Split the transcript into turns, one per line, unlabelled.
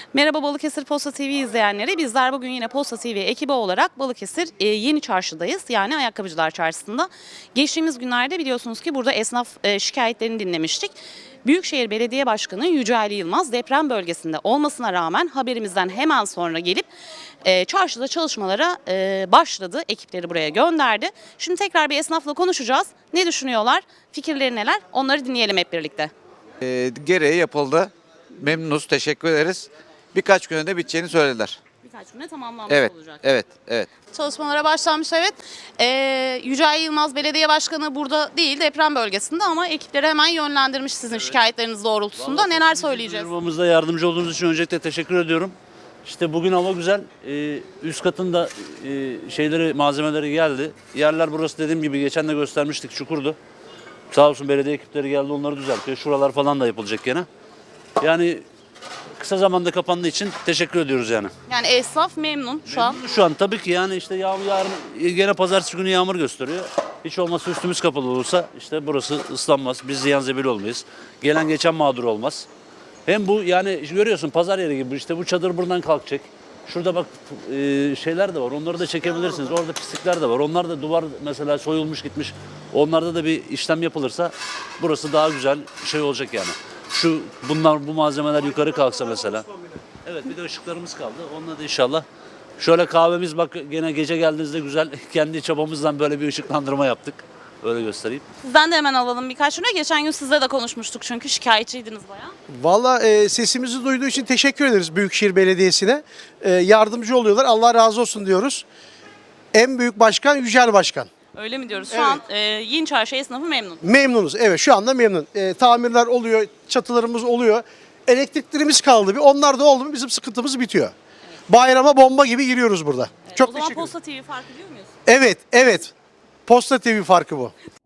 Merhaba Balıkesir Posta TV izleyenleri. Bizler bugün yine Posta TV ekibi olarak Balıkesir Yeni Çarşı'dayız. Yani Ayakkabıcılar Çarşısı'nda. Geçtiğimiz günlerde biliyorsunuz ki burada esnaf şikayetlerini dinlemiştik. Büyükşehir Belediye Başkanı Yücel Yılmaz deprem bölgesinde olmasına rağmen haberimizden hemen sonra gelip çarşıda çalışmalara başladı. Ekipleri buraya gönderdi. Şimdi tekrar bir esnafla konuşacağız. Ne düşünüyorlar? Fikirleri neler? Onları dinleyelim hep birlikte.
Gereği yapıldı. Memnunuz, teşekkür ederiz. Birkaç güne de biteceğini söylediler.
Birkaç güne tamamlanmış
Evet,
olacak.
evet.
Çalışmalara başlanmış, evet. Yücel Yılmaz Belediye Başkanı burada değil, deprem bölgesinde, ama ekipleri hemen yönlendirmiş sizin şikayetleriniz doğrultusunda. Neler söyleyeceğiz?
Duyurmamızda yardımcı olduğunuz için öncelikle teşekkür ediyorum. İşte bugün hava güzel. Üst katında malzemeleri geldi. Yerler burası dediğim gibi geçen de göstermiştik, çukurdu. Sağ olsun belediye ekipleri geldi, onları düzeltiyor. Şuralar falan da yapılacak gene. Yani kısa zamanda kapandığı için teşekkür ediyoruz yani.
Yani esnaf memnun şu an.
Şu an tabii ki yani işte yarın gene pazartesi günü yağmur gösteriyor. Hiç olmazsa üstümüz kapalı olursa işte burası ıslanmaz. Biz ziyan zebil olmayız. Gelen geçen mağdur olmaz. Hem bu yani görüyorsun pazar yeri gibi, işte bu çadır buradan kalkacak. Şurada bak şeyler de var, onları da çekebilirsiniz. Orada pislikler de var. Onlar da duvar mesela soyulmuş gitmiş. Onlarda da bir işlem yapılırsa burası daha güzel şey olacak yani. Bu malzemeler yukarı kalksa mesela. Evet, bir de ışıklarımız kaldı. Onunla da inşallah. Şöyle kahvemiz bak gene gece geldiğinizde güzel kendi çabamızdan böyle bir ışıklandırma yaptık. Öyle göstereyim.
Sizden de hemen alalım birkaç cümle. Geçen gün sizle de konuşmuştuk çünkü şikayetçiydiniz bayağı.
Valla sesimizi duyduğu için teşekkür ederiz Büyükşehir Belediyesi'ne. Yardımcı oluyorlar. Allah razı olsun diyoruz. En büyük başkan Yücel Başkan.
Öyle mi diyoruz? Şu
Evet.
an Yeni Çarşı esnafı memnun.
Memnunuz. Evet, şu anda memnun. Tamirler oluyor, çatılarımız oluyor. Elektriklerimiz kaldı. Onlar da oldu mu bizim sıkıntımız bitiyor. Bayrama bomba gibi giriyoruz burada.
O
Çok
zaman
teşekkür ederim.
Posta TV fark ediyor muyuz?
Evet. Posta TV farkı bu.